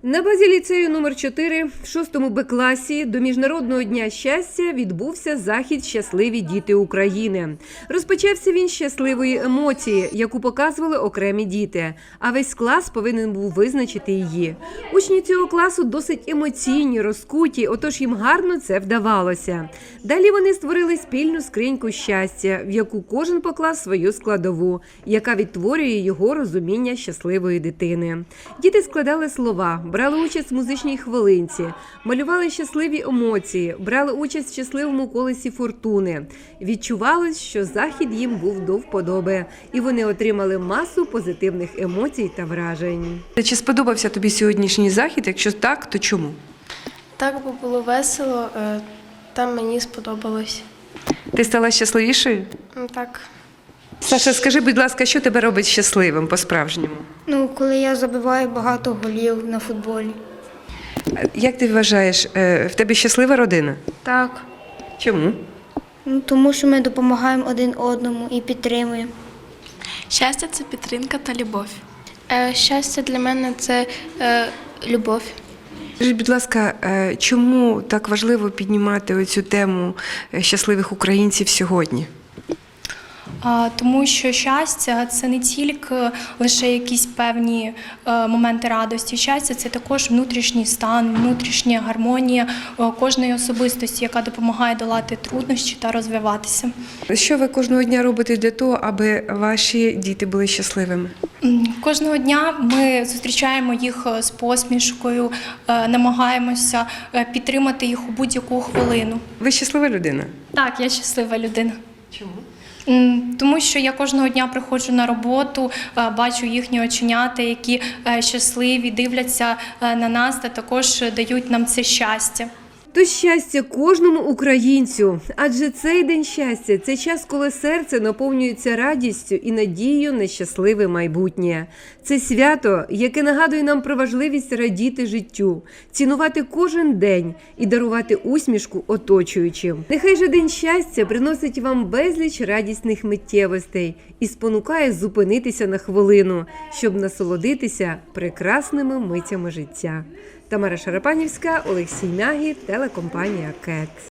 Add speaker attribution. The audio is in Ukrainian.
Speaker 1: На базі ліцею номер 4 в 6 Б-класі до Міжнародного дня щастя відбувся захід «Щасливі діти України». Розпочався він з щасливої емоції, яку показували окремі діти, а весь клас повинен був визначити її. Учні цього класу досить емоційні, розкуті, отож їм гарно це вдавалося. Далі вони створили спільну скриньку щастя, в яку кожен поклав свою складову, яка відтворює його розуміння щасливої дитини. Діти складали слова, брали участь в музичній хвилинці, малювали щасливі емоції, брали участь в щасливому колесі фортуни. Відчувалось, що захід їм був до вподоби, і вони отримали масу позитивних емоцій та вражень.
Speaker 2: Чи сподобався тобі сьогоднішній захід? Якщо так, то чому?
Speaker 3: Так, бо було весело, там мені сподобалось.
Speaker 2: Ти стала щасливішою?
Speaker 3: Так.
Speaker 2: Саша, скажи, будь ласка, що тебе робить щасливим по-справжньому?
Speaker 4: Коли я забиваю багато голів на футболі.
Speaker 2: Як ти вважаєш, в тебе щаслива родина?
Speaker 4: Так.
Speaker 2: Чому?
Speaker 4: Тому що ми допомагаємо один одному і підтримуємо.
Speaker 5: Щастя – це підтримка та любов.
Speaker 3: Щастя для мене – це любов.
Speaker 2: Скажіть, будь ласка, чому так важливо піднімати оцю тему щасливих українців сьогодні?
Speaker 6: Тому що щастя – це не тільки лише якісь певні моменти радості. Щастя – це також внутрішній стан, внутрішня гармонія кожної особистості, яка допомагає долати труднощі та розвиватися.
Speaker 2: Що ви кожного дня робите для того, аби ваші діти були щасливими?
Speaker 6: Кожного дня ми зустрічаємо їх з посмішкою, намагаємося підтримати їх у будь-яку хвилину.
Speaker 2: Ви щаслива людина?
Speaker 6: Так, я щаслива людина.
Speaker 2: Чому?
Speaker 6: Тому що я кожного дня приходжу на роботу, бачу їхні оченята, які щасливі, дивляться на нас та також дають нам це щастя.
Speaker 1: То щастя кожному українцю, адже цей день щастя – це час, коли серце наповнюється радістю і надією на щасливе майбутнє. Це свято, яке нагадує нам про важливість радіти життю, цінувати кожен день і дарувати усмішку оточуючим. Нехай же день щастя приносить вам безліч радісних миттєвостей і спонукає зупинитися на хвилину, щоб насолодитися прекрасними митями життя. Тамара Шарапанівська, Олексій Мягі, телекомпанія КЕТ.